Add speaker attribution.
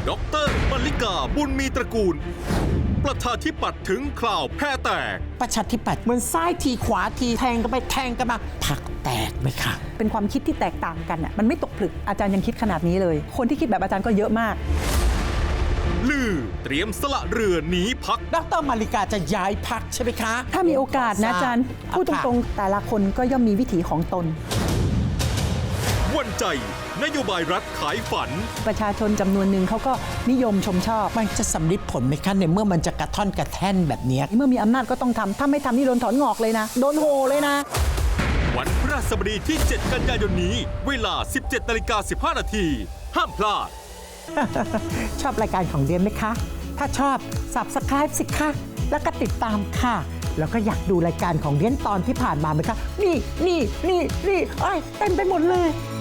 Speaker 1: ดร.มลลิกาบุญมีตระกูลประชาธิปัตย์ถึงคราวแพ้แตก
Speaker 2: ประชาธิปัตย์เหมือนซ้ายทีขวาทีแทงกันไปแทงกันมาพรรคแตกไหมคะ
Speaker 3: เป็นความคิดที่แตกต่างกันมันไม่ตกผลึกอาจารย์ยังคิดขนาดนี้เลยคนที่คิดแบบอาจารย์ก็เยอะมาก
Speaker 1: ลือเตรียมสละเรือหนีพัก
Speaker 2: ดร.มลลิกาจะย้ายพรรคใช่ไหมคะ
Speaker 3: ถ้ามีโอกาสนะอาจารย์พูดตรงๆแต่ละคนก็ย่อมมีวิถีของตน
Speaker 1: วันใจนโยบายรัฐขายฝัน
Speaker 3: ประชาชนจำนวนหนึ่งเขาก็นิยมชมชอบ
Speaker 2: มันจะสำลิดผลไหมคะในเมื่อมันจะกระท่อนกระแท่นแบบนี้
Speaker 3: เมื่อมีอำนาจก็ต้องทำถ้าไม่ทำนี่โดนถอนงอกเลยนะโดนโหเลยนะ
Speaker 1: วันพฤหัสบดีที่ 7 กันยายนนี้เวลา 17:15 นาทีห้ามพลาด
Speaker 2: ชอบรายการของเดียนไหมคะถ้าชอบ Subscribe สิคะแล้วก็ติดตามค่ะแล้วก็อยากดูรายการของเดียนตอนที่ผ่านมาไหมคะนี่เต็มไปหมดเลย